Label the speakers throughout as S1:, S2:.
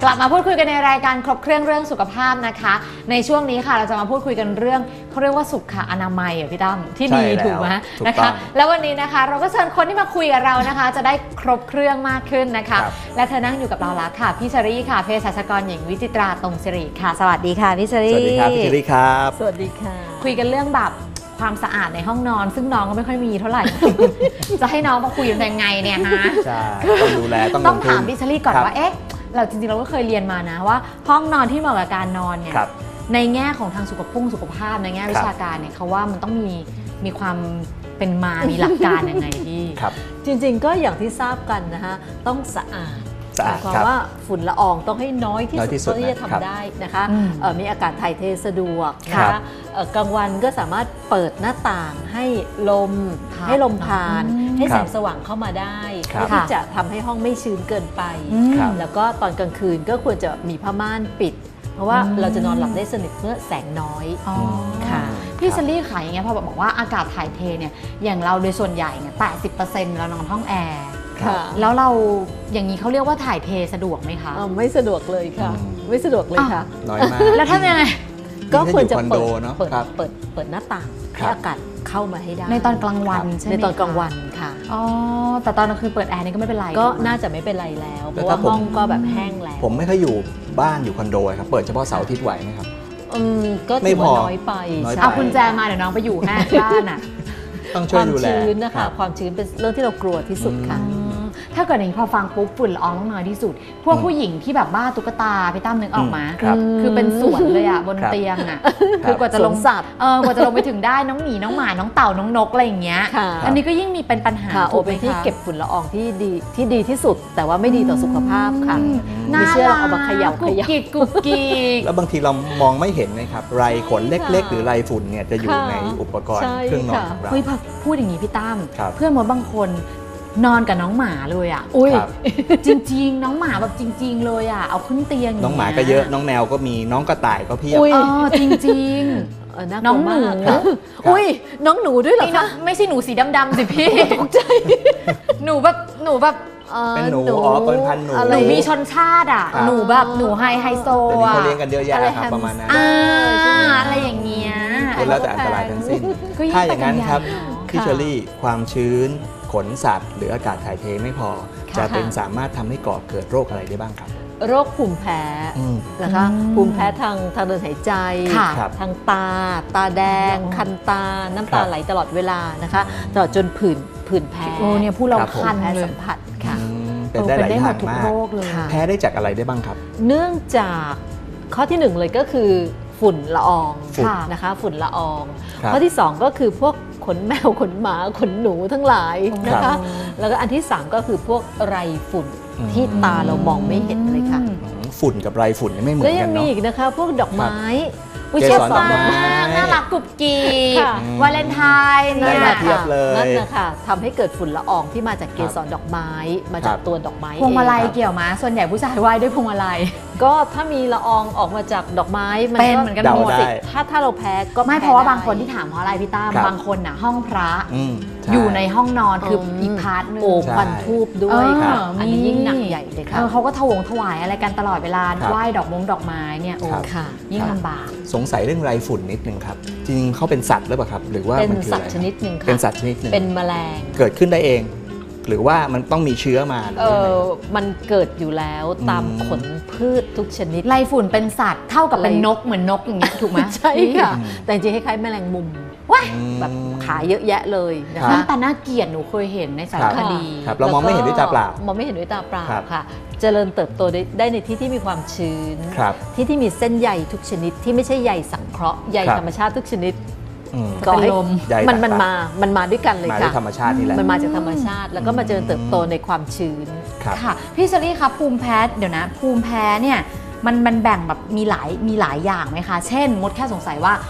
S1: กลับมาพูดคุยกันในรายการครบเครื่องเรื่องสุขภาพนะคะในช่วงนี้ค่ะเราจะมาพูดคุยกันเรื่องเขาเรียกว่าสุขอนามัยอ่ะพี่ตั้มที่ดีถูกไหมนะคะแล้ววันนี้นะคะเราก็เชิญคนที่มาคุยกับเรานะคะจะได้ครบเครื่องมากขึ้นนะคะและเธอนั่งอยู่กับเราแล้วค่ะพี่เชอรี่ค่ะเภสัชกรหญิงวิจิตราตรงสิริค่ะสวัสดีค่ะพี่เชอรี่
S2: สวัสดีครับพี่เชอรี่ครับ
S3: สวัสดีค่ะ
S1: คุยกันเรื่องแบบความสะอาดในห้องนอนซึ่งน้องก็ไม่ค่อยมีเท่าไหร่ จะให้น้องมาคุยกันยังไงเนี่ยฮะ
S2: ใช่ต้องดูแล
S1: ต้องถามพี่เชอรี่ก่อนว่าเอ๊ะเราจริงๆเราก็เคยเรียนมานะว่าห้องนอนที่เหมาะกับการนอนเนี่ยในแง่ของทางสุขภาพในแง่วิชาการเนี่ยเขาว่ามันต้องมีความเป็นมามีหลักการยังไงพี่
S3: จริงๆก็อย่างที่ทราบกันนะคะต้องสะอาดหมายความว่าฝุ่นละอองต้องให้น้อยที่สุดที่จะทำได้นะคะมีอากาศถ่ายเทสะดวกนะคะกลางวันก็สามารถเปิดหน้าต่างให้ลมผ่านให้แสงสว่างเข้ามาได้เพื่อที่จะทำให้ห้องไม่ชื้นเกินไปแล้วก็ตอนกลางคืนก็ควรจะมีผ้าม่านปิดเพราะว่าเราจะนอนหลับได้สนิทเมื่อแสงน้อย
S1: ค่ะพี่เชอรี่ขายอย่างเงี้ยพอบอกว่าอากาศถ่ายเทเนี่ยอย่างเราโดยส่วนใหญ่เนี่ย 80% เรานอนห้องแอร์แล้วเราอย่างนี้เขาเรียกว่าถ่ายเทสะดวกไหมคะ
S3: ไม่สะดวกเลยค่ะไม่สะดวกเลยค่ะ
S2: น้อยมาก
S1: แล้วทำยังไง
S3: ก็ควรจะเปิดหน้าต่างให้อากาศเข้ามาให้ได้
S1: ในตอนกลางวันใช่ไหม
S3: ในตอนกลางวันค่ะ
S1: อ๋อแต่ตอนกลางคืนเปิดแอร์นี่ก็ไม่เป็นไร
S3: ก็น่าจะไม่เป็นไรแล้วเพราะว่าห้องก็แบบแห้งแล้ว
S2: ผมไม่ค่อยอยู่บ้านอยู่คอนโดครับเปิดเฉพาะเสาร์อาทิตย์ไหวไหมครับ
S3: ก็ถือว่าน้อยไป
S1: เอาคุณแจมาเดี๋ยวน้องไปอยู่แค่บ้านอ่ะ
S2: ต้องช่วยดูแล
S3: ความชื้นนะคะความชื้นเป็นเรื่องที่เรากลัวที่สุดค่ะ
S1: ถ้าเกิดอย่างนี้พอฟังปุ๊บฝุ่นละอองต้องน้อยที่สุดพวกผู้หญิงที่แบบบ้าตุ๊กตาพี่ตั้มนึกออกมาคือเป็นสวนเลยอ่ะบนเตียงอ่ะคือกว่าจะลง
S3: สัตว์
S1: กว่าจะลงไปถึงได้น้องหมีน้องหมาน้องเต่าน้องนกอะไรอย่างเงี้ยอันนี้ก็ยิ่งมีเป็นปัญหา
S3: โอเป็นที่เก็บฝุ่นละอองที่ดีที่สุดแต่ว่าไม่ดีต่อสุขภาพค่ะ
S1: ไม่
S3: เชื่อเอามาเขย่า
S1: กุกกิก
S2: แล้วบางทีเรามองไม่เห็นนะครับไรขนเล็กๆหรือไรฝุ่นเนี่ยจะอยู่ในอุปกรณ์เครื่องนอนของเรา
S1: พูดอย่างนี้พี่ตั้มเพื่อนมดบางคนนอนกับน้องหมาเลยอ่ะจริงๆน้องหมาแบบจริงๆเลยอ่ะเอาขึ้นเตียง
S2: น้องหมาก็เยอะน้องแมวก็มีน้องกระต่ายก็เพียบ
S1: จริงๆน้องหนู
S3: น้องหนูด้วยเหรอคะ
S1: ไม่ใช่หนูสีดำๆสิพี่
S3: ตกใจ
S1: หนูแบบ
S2: เป็นหนูเป็นพันหนู
S1: หนูมีชนชาติอ่ะหนูแบบหนูไฮโซ
S2: อ่ะเขาเลี้ยงกันเยอะแยะครับประมาณนั้น
S1: อะไรอย่างเงี้ย
S2: แล้วแต่อันตรายทั้งสิ้นถ้าอย่างนั้นครับพี่เชอรี่ความชื้นขนสัตว์หรืออากาศถ่ายเทไม่พอจะเป็นสามารถทำให้ก่อเกิดโรคอะไรได้บ้างครับ
S3: โรคภูมิแพ้นะคะภูมิแพ้ทางเดินหายใจทางตาแดงคันตาน้ำตาไหลตลอดเวลานะคะตลอดจนผื่นแพ้
S1: เนี่ยผู้เราคัน
S3: แพ้สัมผัสค่ะ
S2: เป็นได้หลายอย่างมากแพ้ได้จากอะไรได้บ้างครับ
S3: เนื่องจากข้อที่1เลยก็คือฝุ่นละอองนะคะฝุ่นละอองข้อที่2ก็คือพวกขนแมวขนหมาขนหนูทั้งหลายนะคะแล้วก็อันที่3ก็คือพวกไรฝุ่นที่ตาเรามองไม่เห็นเลยค่ะ
S2: ฝุ่นกับไรฝุ่นไม่เหมือนกันเนาะ
S3: แล้วยังมีอีกนะคะพวกดอกไม้
S1: เชฟมากน่ารักกุบกีวาเลนไทน์
S2: เนี่ย
S3: นั่นนะคะทำให้เกิดฝุ่นละอองที่มาจากเกสรดอกไม้มาจากตัวดอกไม้
S1: พวงมาลัยเกี่ยวมาส่วนใหญ่ผู้ชายไหว้ด้วยพวงมาลัย
S3: ก็ถ้ามีละอองออกมาจากดอกไม้มัน
S1: เป็นเหมือนกันหมด
S3: ถ้าเราแพ้ก็
S1: ไม่เพราะว่าบางคนที่ถามเพราะอะไรพี่ตั้มบางคนน่ะห้องพระอยู่ในห้องนอนคืออีกพาร์ทนึง
S3: ควันทูบด้วยค่ะอันนี้ยิ่งหนักใหญ่เลยค่ะ
S1: เขาก็ถวายอะไรกันตลอดเวลาไหว้ดอกไม้เนี่ยยิ่งลำบาก
S2: สงสัยเรื่องไรฝุ่นนิดนึงครับจริงเขาเป็นสัตว์หรือเปล่าครับหรือว่า
S3: เป็นสัตว์ชนิดหนึ่งค่ะ
S2: เป็นสัตว์ชนิดหนึ่ง
S3: เป็นแมลง
S2: เกิดขึ้นได้เองหรือว่ามันต้องมีเชื้อมา
S3: มันเกิดอยู่แล้วตามขนพืชทุกชนิด
S1: ไรฝุ่นเป็นสัตว์เท่ากับเป็นนกเหมือนนกอย่างเงี้ยถูกไหม
S3: ใช่ค่ะแต่จริงคล้ายๆแมลงมุมแบบขาเยอะแยะเลยนะคะ
S1: แต่น่าเกลียดหนูเคยเห็นในสารคดี
S2: เรามองไม่เห็นด้วยตาเปล่าม
S3: องไม่เห็นด้วยตาเปล่าค่ะเจริญเติบโตได้ในที่ที่มีความชื้นที่มีเส้นใยทุกชนิดที่ไม่ใช่ใยสังเคราะห์ใยธรรมชาติทุกชนิด
S1: ก็ให้
S3: มันมาด้วยกันเลยค่ะ
S2: ธรรมชาตินี่แหละ
S3: มันมาจากธรรมชาติแล้วก็มาเจริญเติบโตในความชื้น
S1: ค่ะพี่เชอรี่ครับภูมิแพ้เดี๋ยวนะภูมิแพ้เนี่ยมันแบ่งแบบมีหลายอย่างไหมคะเช่นมดแค่สงสัยว่า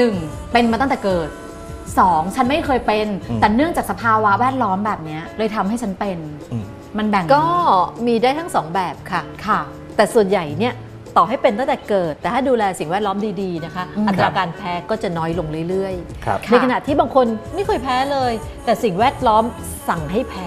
S1: 1เป็นมาตั้งแต่เกิด2ฉันไม่เคยเป็นแต่เนื่องจากสภาวะแวดล้อมแบบนี้เลยทำให้ฉันเป็นมันแบ่ง
S3: ก็มีได้ทั้ง2แบบค่ะแต่ส่วนใหญ่เนี่ยต่อให้เป็นตั้งแต่เกิดแต่ถ้าดูแลสิ่งแวดล้อมดีๆนะคะอัตราการแพ้ก็จะน้อยลงเรื่อยๆในขณะที่บางคนไม่เคยแพ้เลยแต่สิ่งแวดล้อมสั่งให้แพ้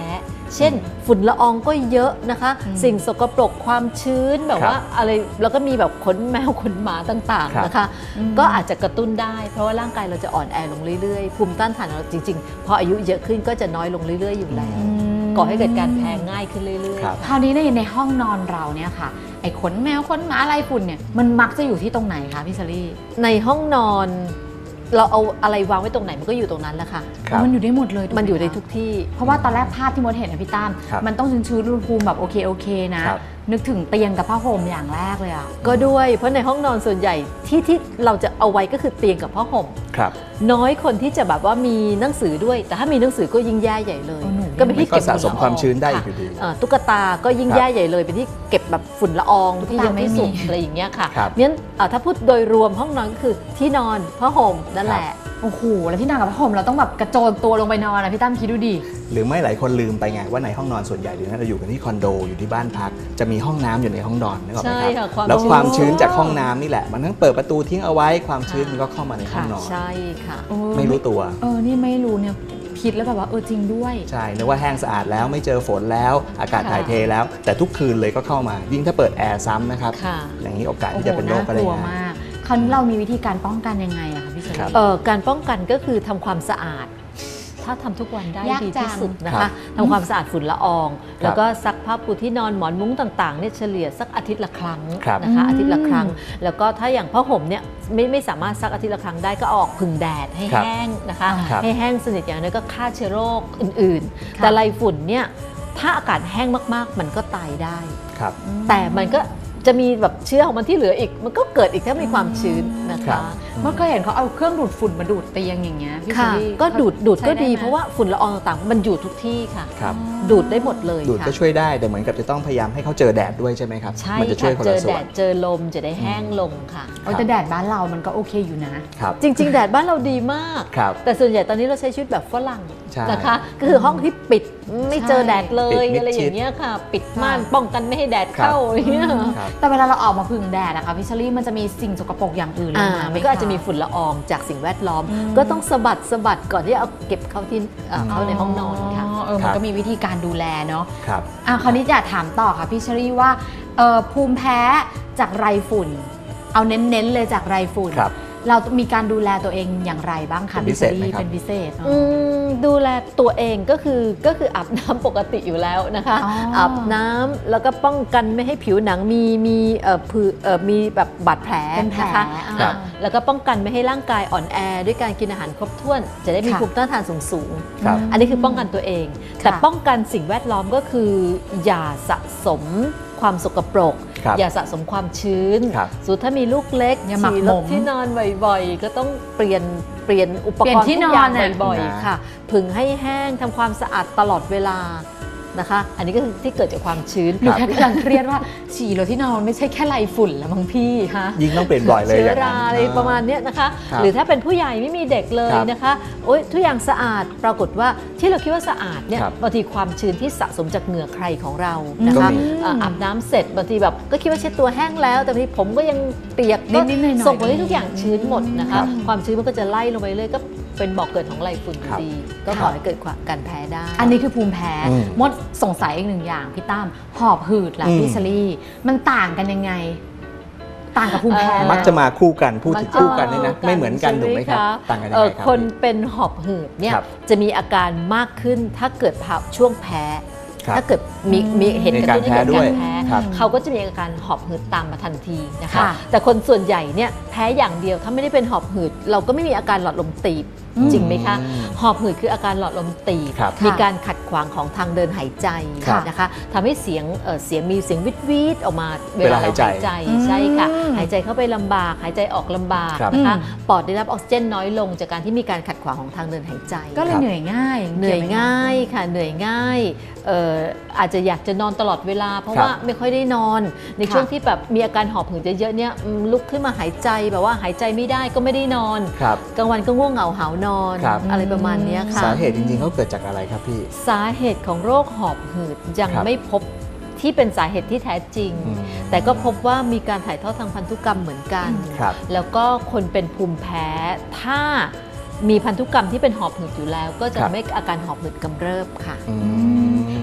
S3: เช่นฝุ่นละอองก็เยอะนะคะ สิ่งสกปรกความชื้นแบบว่าอะไรแล้วก็มีแบบขนแมวขนหมาต่างๆนะคะก็อาจจะกระตุ้นได้เพราะว่าร่างกายเราจะอ่อนแอลงเรื่อยๆภูมิต้านทานเราจริงๆพออายุเยอะขึ้นก็จะน้อยลงเรื่อยๆอยู่แล้วก่อให้เกิดการแพ้ง่ายขึ้นเรื่อยๆ
S1: คราวนี้ในห้องนอนเราเนี่ยค่ะไอ้ขนแมวขนหมาอะไรฝุ่นเนี่ยมันมักจะอยู่ที่ตรงไหนคะพี่เชอรี่
S3: ในห้องนอนเราเอาอะไรวางไว้ตรงไหนมันก็อยู่ตรงนั้นแหละค่ะ
S1: มันอยู่ได้หมดเลย
S3: มันอยู่ในทุกที่
S1: เพราะว่าตอนแรกภาพที่มดเห็นนะพี่ตั้มมันต้องชื้นๆอุณหภูมิแบบโอเคนะนึกถึงเตียงกับผ้าห่มอย่างแรกเลยอ่ะ
S3: ก็ด้วยเพราะในห้องนอนส่วนใหญ่ที่เราจะเอาไว้ก็คือเตียงกับผ้าห่มน้อยคนที่จะแบบว่ามีหนังสือด้วยแต่ถ้ามีหนังสือก็ยิ่งแย่ใหญ่เลย
S2: ก็เป็นที่เก็บสะสมความชื้นได้อยู่ดี
S3: ตุ๊กตาก็ยิ่งแย่ใหญ่เลยเป็นที่เก็บแบบฝุ่นละอองที่ยังไม่สุกอะไรอย่างเงี้ยค่ะงั้นถ้าพูดโดยรวมห้องนอนก็คือที่นอนผ้าห่มนั่นแหละ
S1: โอ้โหแล้วที่นอนกับผ้าห่มเราต้องแบบกระโจนตัวลงไปนอนนะพี่ตั้มคิดดูดิ
S2: หรือไม่หลายคนลืมไปไงว่าในห้องนอนส่วนใหญ่หรือเราอยู่กันที่คอนโดอยู่ที่บ้านพักจะมีห้องน้ำอยู่ในห้องนอนนึกออกไหมครับแล้วความชื้นจากห้องน้ำนี่แหละมันทั้งเปิดประตูทิ้งเอาไว้ความชื้นมันก็เข้ามาในห้องนอน
S3: ใช่ค่ะ
S2: ไม่รู้ตัว
S1: นี่ไม่รู้เนี่ยคิดแล้วแบบว่าจริงด้วย
S2: ใช่นึกว่าแห้งสะอาดแล้วไม่เจอฝนแล้วอากาศถ่ายเทแล้วแต่ทุกคืนเลยก็เข้ามายิ่งถ้าเปิดแอร์ซ้ำนะครับอย่างนี้โอกาสที่จะเป็นโรคก็ได้ง่าย
S1: คราวนี้เรามีวิธีการป้องกันยังไงอะคะพี่เชอรี่
S3: การป้องกันก็คือทำความสะอาดถ้าทำทุกวันได้ดีที่สุดนะคะทำความสะอาดฝุ่นละอองแล้วก็ซักผ้าปูที่นอนหมอนมุ้งต่างๆเนี่ยเฉลี่ยสักอาทิตย์ละครั้งนะคะอาทิตย์ละครั้งแล้วก็ถ้าอย่างผ้าห่มเนี่ยไม่สามารถซักอาทิตย์ละครั้งได้ก็ออกผึ่งแดดให้แห้งนะคะให้แห้งสนิทอย่างนั้นก็ฆ่าเชื้อโรคอื่นๆแต่ไรฝุ่นเนี่ยถ้าอากาศแห้งมากๆมันก็ตายได้แต่มันก็จะมีแบบเชื้อของมันที่เหลืออีกมันก็เกิดอีกถ้ามีความชื้นนะคะ
S1: เมื่อเคยเห็นเขาเอาเครื่องดูดฝุ่นมาดูดเตียงอย่างเงี้ยพี่เชอรี่
S3: ก็ดูดก็ดีเพราะว่าฝุ่นละอองต่างๆมันอยู่ทุกที่ค่ะดูดได้หมดเลย
S2: ดูดก็ช่วยได้แต่เหมือนกับจะต้องพยายามให้เขาเจอแดดด้วยใช่ไหมครับ
S3: ใช่
S2: มันจะช่วยคนละส่วน
S3: เจอแดดเจอลมจะได้แห้งลงค่ะ
S1: แต่แดดบ้านเรามันก็โอเคอยู่นะ
S3: จริงๆแดดบ้านเราดีมากแต่ส่วนใหญ่ตอนนี้เราใช้ชีวิตแบบฝรั่งนะคะก็คือห้องที่ปิดไม่เจอแดดเลยอะไรอย่างเงี้ยค่ะปิดม่านป้องกันไม่ให้แดดเข้าอย่างเงี้ย
S1: แต่เวลาเราออกมาพึ่งแดดนะคะพี่เชอรี่มันจะมีสิ่งสกปรกอย่างอื่นลงมา
S3: มันก็อาจจะมีฝุ่นละอองจากสิ่งแวดล้อมก็ต้องสะบัดก่อนที่เอาเก็บเข้าที่เข้าในห้องนอนค่ะ
S1: มันก็มีวิธีการดูแลเนาะคราวนี้อยากถามต่อค่ะพี่เชอรี่ว่าภูมิแพ้จากไรฝุ่นเอาเน้นๆเลยจากไรฝุ่นเรามีการดูแลตัวเองอย่างไรบ้างคะพี่เชอรี่เป็นพิเศษ
S3: ดูแลตัวเองก็คืออาบน้ำปกติอยู่แล้วนะคะอาบน้ำแล้วก็ป้องกันไม่ให้ผิวหนังมีแบบบาดแผลนะคะแล้วก็ป้องกันไม่ให้ร่างกายอ่อนแอด้วยการกินอาหารครบถ้วนจะได้มีภูมิต้านทานสูงอันนี้คือป้องกันตัวเองแต่ป้องกันสิ่งแวดล้อมก็คืออย่าสะสมความสกปรกอย่าสะสมความชื้นส่วนถ้ามีลูกเล็กฉี่รถที่นอนบ่อยๆก็ต้องเปลี่ยนอุปกรณ์ทุกอย่างบ่อยๆค่ะผึ่งให้แห้งทำความสะอาดตลอดเวลานะคะอันนี้ก็คือที่เกิดจากความชื้น
S1: หนูแค่กำลังเครียดว่าฉี่รถที่นอนไม่ใช่แค่ไรฝุ่นแล้วมั้งพี่ฮะ
S2: ยิ่งต้องเปลี่ยนบ่อยเลย
S3: เชื้อราอะไรประมาณนี้นะคะหรือถ้าเป็นผู้ใหญ่ไม่มีเด็กเลยนะคะทุกอย่างสะอาดปรากฏว่าที่เราคิดว่าสะอาดเนี่ยบางทีความชื้นที่สะสมจากเหงื่อใครของเรานะคะอาบน้ำเสร็จบางทีแบบก็คิดว่าเช็ดตัวแห้งแล้วแต่บางทีผมก็ยังเปียกก็ส่งผลให้ทุกอย่างชื้นหมดนะคะความชื้นมันก็จะไล่ลงไปเลยก็เป็นบ่อกเกิดของไรฝุ่นดีก็ขอให้เกิดการแพ้ได้
S1: อันนี้คือภูมิแพ้มดสงสัยอีกหนึ่งอย่างพี่ตั้มหอบหืดล่ะพี่เชอรี่มันต่างกันยังไงต่างกับภูมิแพ้
S2: มักจะมาคู่กันพูดถึงคู่กันนี่นะไม่เหมือนกันถูกไหมครับต่างกันยังไงครับ
S3: คนเป็นหอบหืดเนี่ยจะมีอาการมากขึ้นถ้าเกิดช่วงแพ้ถ้าเกิดมีเหตุกระตุ้นให้เกิดการแพ้เขาก็จะมีอาการหอบหืดตามมาทันทีนะคะแต่คนส่วนใหญ่เนี่ยแพ้อย่างเดียวถ้าไม่ได้เป็นหอบหืดเราก็ไม่มีอาการหลอดลมตีบจริงไหมคะหอบหืดคืออาการหลอดลมตีบมีการขัดขวางของทางเดินหายใจนะคะทำให้เสียงมีเสียงวิดออกมาเวลาเราหายใจใช่ค่ะหายใจเข้าไปลำบากหายใจออกลำบากนะคะปอดได้รับออกซิเจนน้อยลงจากการที่มีการขัดขวางของทางเดินหายใจ
S1: ก็เลยเหนื่อยง่าย
S3: ค่ะเหนื่อยง่ายอาจจะอยากจะนอนตลอดเวลาเพราะว่าไม่ค่อยได้นอนในช่วงที่แบบมีอาการหอบหืดเยอะๆเนี่ยลุกขึ้นมาหายใจแบบว่าหายใจไม่ได้ก็ไม่ได้นอนกลางวันก็ง่วงเหงาหาวนอนอะไรประมาณนี้ค่ะ
S2: สาเหตุจริงๆเขาเกิดจากอะไรครับพี่
S3: สาเหตุของโรคหอบหืดยังไม่พบที่เป็นสาเหตุที่แท้จริงแต่ก็พบว่ามีการถ่ายทอดทางพันธุกรรมเหมือนกันแล้วก็คนเป็นภูมิแพ้ถ้ามีพันธุกรรมที่เป็นหอบหืดอยู่แล้วก็จะไม่อาการหอบหืดกำเริบค่ะ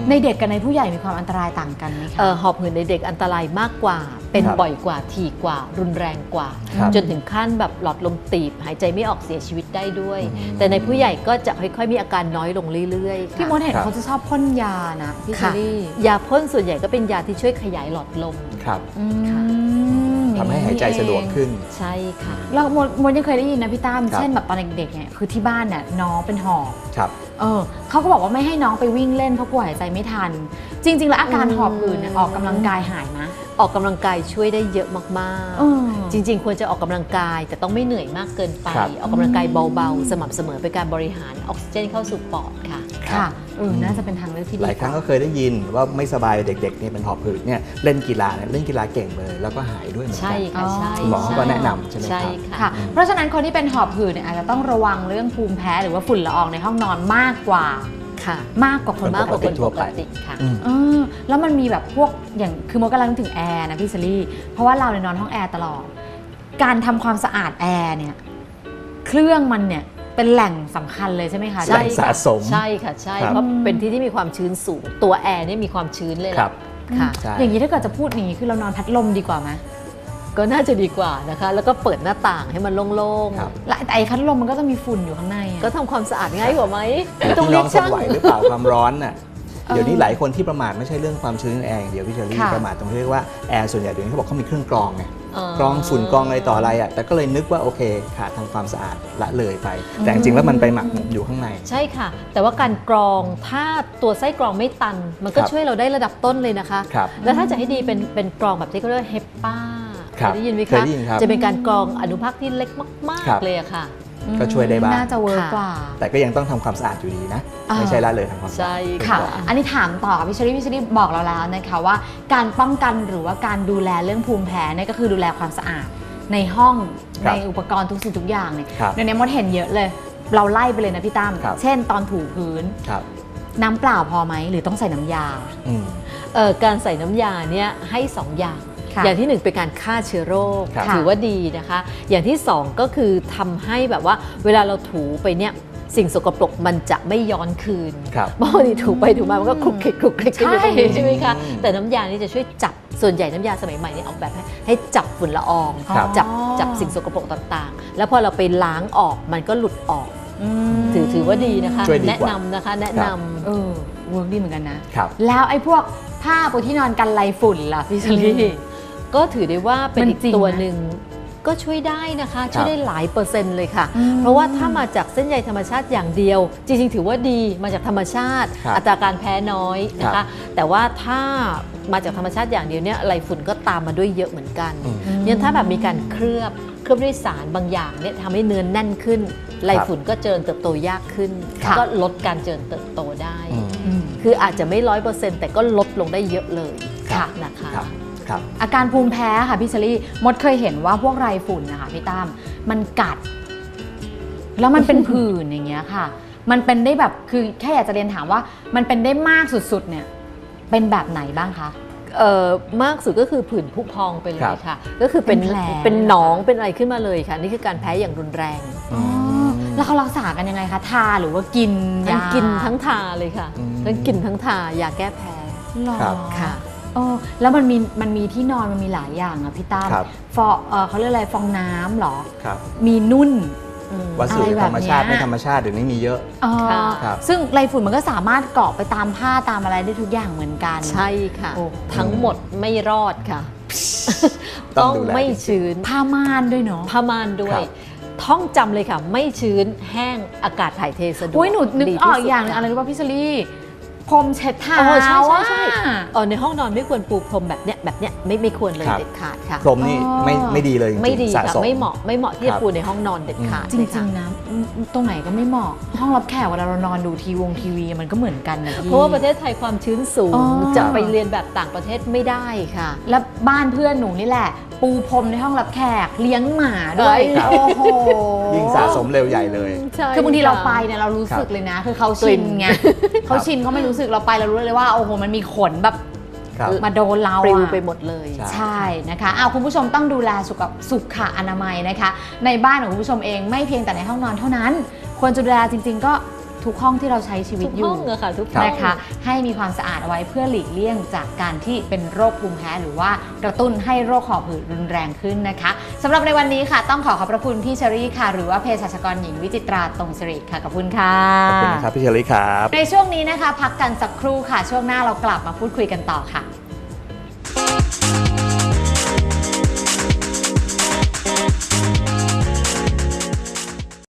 S1: ในเด็กกับในผู้ใหญ่มีความอันตรายต่างกันไหมคะ
S3: หอบหืดในเด็กอันตรายมากกว่าเป็นบ่อยกว่าถี่กว่ารุนแรงกว่าจนถึงขั้นแบบหลอดลมตีบหายใจไม่ออกเสียชีวิตได้ด้วยแต่ในผู้ใหญ่ก็จะค่อยๆมีอาการน้อยลงเรื่อยๆ
S1: พี่มดเห็นเขาจะชอบพ่นยานะพี่เชอรี่
S3: ยาพ่นส่วนใหญ่ก็เป็นยาที่ช่วยขยายหลอดลม
S2: ครับ
S3: ค่ะ
S2: ทำให้หายใจสะดวกขึ้น
S3: ใช่ค่ะ
S1: แล้วมดยังเคยได้ยินนะพี่ตั้มเช่นแบบตอนเด็กๆเนี่ยคือที่บ้านเนี่ยน้องเป็นหอบ
S2: ครับ
S1: เขาก็บอกว่าไม่ให้น้องไปวิ่งเล่นเพราะกลัวหายใจไม่ทัน จริงๆแล้วอาการหอบหืดเนี่ยออกกำลังกายหายไหม
S3: ออกกำลังกายช่วยได้เยอะมากๆจริงๆควรจะออกกำลังกายแต่ต้องไม่เหนื่อยมากเกินไปออกกำลังกายเบาๆสม่ำเสมอเป็นการบริหารออกซิเจนเข้าสู่ปอดค่ะ
S1: ค่ะน่าจะเป็นทางเลือกที่ดี
S2: หลายครั้งก็เคยได้ยินว่าไม่สบายเด็กๆเนี่ยเป็นหอบหืดเนี่ยเล่นกีฬาเล่นกีฬาเก่งเลยแล้วก็หายด้วยเหมือนกั
S3: ใช่ค่ะใช่
S2: หมอก็แนะนำใช่ไหมครับ
S3: ใช่ค่ะ
S1: ค่ะเพราะฉะนั้นคนที่เป็นหอบหืดเนี่ยอาจจะต้องระวังเรื่องภูมิแพ้หรือว่าฝุ่นละอองในห้องนอนมากกว่า
S3: ค่ะ
S1: มากกว่าคน
S3: มากกว่าคน
S2: ทั่
S3: ป
S2: ว
S3: ก
S2: ไป
S3: ติค่ะ
S1: แล้วมันมีแบบพวกอย่างคือมดกำลังนึกถึงแอร์นะพี่เชอรี่เพราะว่าเราเนี่ยนอนห้องแอร์ตลอดการทำความสะอาดแอร์เนี่ยเครื่องมันเนี่ยเป็นแหล่งสำคัญเลยใช่ไหมคะ
S2: แหล่งสะสม
S3: ใช่ค่ะใช่
S2: ครับ
S3: เพราะเป็นที่ที่มีความชื้นสูงตัวแอร์เนี่ยมีความชื้นเลย
S2: ครับ
S3: ค่ะ
S2: ใช่
S1: อย่างนี้ถ้าเกิดจะพูดอย่างนี้คือเรานอนพัดลมดีกว่าไหม
S3: ก็น่าจะดีกว่านะคะแล้วก็เปิดหน้าต่างให้มันโล่ง
S2: ครับ
S1: และไอ้พัดลมมันก็จะมีฝุ่นอยู่ข้างในอะ
S3: ๆก็ทำความสะอาดง่ายกว่าไหม
S2: พี่
S3: ต้อง
S2: น้
S3: เรี
S2: อย ง
S3: ก
S2: ทน
S3: ช่าง
S2: ไหวหรือเปล่าความร้อนน่ะเดี๋ยวนี้หลายคนที่ประมาทไม่ใช่เรื่องความชื้นในแอร์อย่างเดียวพี่เชอรี่
S1: ค่ะ
S2: ประมาทตรงที่เรียกว่าแอร์ส่วนใหญ่เดี๋ยวนี้เขาบอกเขามีเครื่องกรองไงกรองฝุ่นกรองอะไรต่ออะไรอ่ะแต่ก็เลยนึกว่าโอเคขาดทำความสะอาดละเลยไป แต่จริงๆแล้วมันไปหมักหมมอยู่ข้างใน
S3: ใช่ค่ะ แต่ว่าการกรองถ้าตัวไส้กรองไม่ตัน มันก็
S2: ครับ
S3: ช่วยเราได้ระดับต้นเลยนะคะ
S2: ครับ
S3: แล้วถ้าจะให้ดีเป็นกรองแบบที่เขาเรียกว่าเฮปป้า
S2: ครับ
S3: เคยได้ยินไหม
S2: เค
S3: คะ
S2: ยได้ยินครับ
S3: จะเป็นการกรองอนุภาคที่เล็กมาก
S2: ครับ
S3: ๆเลยอะค่ะ
S2: ก็ช่วยได้บ้าง
S1: น่าจะเวิร์กกว่า
S2: แต่ก็ยังต้องทำความสะอาดอยู่ดีนะ
S1: อ่า
S2: ไม่ใช่ละเลยทำความสะอาด
S3: ใช่
S1: ค่ะ
S3: ค่ะ
S1: อันนี้ถามต่อพี่เชอรี่บอกเราแล้วนะคะว่าการป้องกันหรือว่าการดูแลเรื่องภูมิแพ้เนี่ยก็คือดูแลความสะอาดในห้อง
S2: ครับ
S1: ในอุปกรณ์ทุกสิ่งทุกอย่างเนี่ย
S2: ครับ
S1: เดี๋ยวนี้มดเห็นเยอะเลย เราไล่ไปเลยนะพี่ตั้ม
S2: ครับ
S1: เช่นตอนถูพื้น
S2: ครับ
S1: น้ำเปล่าพอไหมหรือต้องใส่น้ำยา
S2: อืม
S3: การใส่น้ำยาเนี่ยให้2อย่าง
S1: ค่ะ
S3: อย่างที่1เป็นการฆ่าเชื้อโรค
S2: ครับ
S3: ถือว่าดีนะคะ อย่างที่2ก็คือทำให้แบบว่าเวลาเราถูไปเนี่ยสิ่งสกปรกมันจะไม่ย้อนคืน
S2: ครับ
S3: บางทีถูไปถูมามันก็คลุกคลิกคลุกคลิกกันอยู่ตรงนี้ใช่ไหมคะ
S2: อืม
S3: แต่น้ำยานี่จะช่วยจับส่วนใหญ่น้ำยาสมัยใหม่นี่ออกแบบให้จับฝุ่นละออง
S2: ครับ
S3: จับสิ่งสกปรกต่างๆ แล้วพอเราไปล้างออกมันก็หลุดออก ถือว่าดีนะคะ
S2: ช่วยดีกว่า
S3: แนะนำนะคะแนะนำ
S1: เวิร์กดีเหมือนกันนะ แล้วไอ้พวกผ้าปูที่นอนกันไรฝุ่นล่ะพี่เชอรี่
S3: ก็ถือได้ว่าเป็น
S1: มัน
S3: อีก
S1: จริง
S3: ตัว
S1: นะ
S3: หนึ่งก็ช่วยได้นะคะ
S2: ครับ
S3: ช่วยได้หลายเปอร์เซ็นต์เลยค่ะ
S1: อืม
S3: เพราะว่าถ้ามาจากเส้นใยธรรมชาติอย่างเดียว จริงๆ ถือว่าดีมาจากธรรมชาติ
S2: ครับ
S3: อัตราการแพ้น้อยนะ
S2: ครั
S3: คะ
S2: บ
S3: แต่ว่าถ้ามาจากธรรมชาติอย่างเดียวเนี่ยไรฝุ่นก็ตามมาด้วยเยอะเหมือนกัน
S2: อืม
S3: เนี่ยถ้าแบบมีการเคลือบด้วยสารบางอย่างเนี่ยทำให้เนื้อแน่นขึ้นไรฝุ่นก็เจริญเติบโตยากขึ้น
S1: ค่ะ
S3: ก็ลดการเจริญเติบโตได้
S2: อืม
S3: คืออาจจะไม่ 100%แต่ก็ลดลงได้เยอะเลย
S2: ครับ
S3: นะคะ
S2: ครับครับ
S1: อาการภูมิแพ้ค่ะพี่เชอรี่มดเคยเห็นว่าพวกไรฝุ่นนะคะพี่ตั้มมันกัด แล้วมันเป็นผื่นอย่างเงี้ยค่ะ มันเป็นได้แบบคือแค่อยากจะเรียนถามว่ามันเป็นได้มากสุดๆเนี่ยเป็นแบบไหนบ้างคะ
S3: มากสุดก็คือผื่นผุพองไปเล
S2: ครั
S3: ย
S2: บ
S3: ค่ะ ก็คือเป็น
S1: เป็นแผล
S3: เป็นหนองเป็นอะไรขึ้นมาเลยค่ะ นี่คือการแพ้อย่างรุนแรง
S1: อ๋อแล้วเขารักษากันยังไงคะทาหรือว่ากิน
S3: ทั้ง
S1: ยา
S3: กินทั้งทาเลยค่ะ
S2: อืม
S3: ทั้งกินทั้งทายาแก้แพ้
S1: หรอ
S2: ครับ
S3: ค่ะ
S1: แล้วมันมีที่นอนมันมีหลายอย่างอะพี่ตั้ม
S2: ครับ
S1: เขาเรียกอะไรฟองน้ำเหรอ
S2: ครับ
S1: มีนุ่น
S2: วัสดุ
S1: อะไรแบบ
S2: ธรรมชาติ
S1: เนี้ย
S2: ไม่ธรรมชาติเดี๋ยวนี้มีเยอะ
S3: ค่ะ
S2: ครับ
S1: ซึ่งไรฝุ่นมันก็สามารถเกาะไปตามผ้าตามอะไรได้ทุกอย่างเหมือนกัน
S3: ใช่ค่ะ
S1: โอ้
S3: ทั้งหมดไม่รอดค่ะ
S2: ต้
S3: ต้
S2: อ
S3: อง ง
S2: ดูแล
S3: ไม่ชื้น
S1: ผ้าม่านด้วยเนาะ
S3: ผ้าม่านด้วย
S2: ครับ
S3: ท่องจำเลยค่ะ ไม่ชื้นแห้งอากาศถ่ายเทสะดวก
S1: อุ้ยหนูนึก
S3: ดี
S1: อ
S3: ที่
S1: อก
S3: สุด
S1: อย่างหนึงอะไรรู้ป่ะพี่เชลี่พรมเช็ดเท้า
S3: ใช่ใช่
S1: อะ
S3: ในห้องนอนไม่ควรปูพรมแบบเนี้ยไม่ควรเลย
S2: ครับ
S3: เด็ดขาดค่ะ
S2: พรมนี่ไม่ดีเลยจริงๆ
S3: ไม่ดี
S2: สะ
S3: ค่ะ
S2: สม
S3: ไม่เหมาะที่
S2: ครั
S3: จะ
S2: บ
S3: ปูในห้องนอนเด็ดขาด
S1: จริ
S3: เลย
S1: ง
S3: ค่ะ
S1: ๆนะตรงไหนก็ไม่เหมาะ ห้องรับแขกเวลาเรานอนดูทีวีมันก็เหมือนกันนะพี่
S3: เพราะว่าประเทศไทยความชื้นสูง
S1: อ๋อ
S3: จะไปเรียนแบบต่างประเทศไม่ได้ค่ะ
S1: แล้วบ้านเพื่อนหนูนี่แหละ ปูพรมในห้องรับแขกเลี้ยงหมาด้วย
S2: ครับ
S1: โอ้โห
S2: ยิ่งสะสมเร็วใหญ่เลย
S1: คือบางทีเราไปเนี่ยเรารู้สึกเลยนะ คือเขาชินไงเขาชินเขาไม่รู้สึกเราไปเรารู้เลยว่าโอ้โหมันมีขนแบบ
S2: ครับ
S1: มาโดนเรา
S3: ปลิว
S1: อะ
S3: ไปหมดเลย
S2: ใช่
S1: ใช่นะคะเอาคุณผู้ชมต้องดูแลสุขอนามัยนะคะ ในบ้านของคุณผู้ชมเองไม่เพียงแต่ในห้องนอนเท่านั้น ควรจะดูแลจริง ๆ ก็ทุกห้องที่เราใช้ชีวิต
S3: ทุก
S1: อยู่
S3: ห้องอะค่ะทุกห้อง
S1: นะคะให้มีความสะอาดเอาไว้เพื่อหลีกเลี่ยงจากการที่เป็นโรคภูมิแพ้หรือว่ากระตุ้นให้โรคหอบหืดรุนแรงขึ้นนะคะสำหรับในวันนี้ค่ะต้องขอบพระคุณพี่เชอรี่ค่ะหรือว่าเภสัชกรหญิงวิจิตราตรงสิริค่ะขอบคุณค่ะ
S2: ขอบคุณครับพี่เชอรี่ครับ
S1: ในช่วงนี้นะคะพักกันสักครู่ค่ะช่วงหน้าเรากลับมาพูดคุยกันต่อค่ะ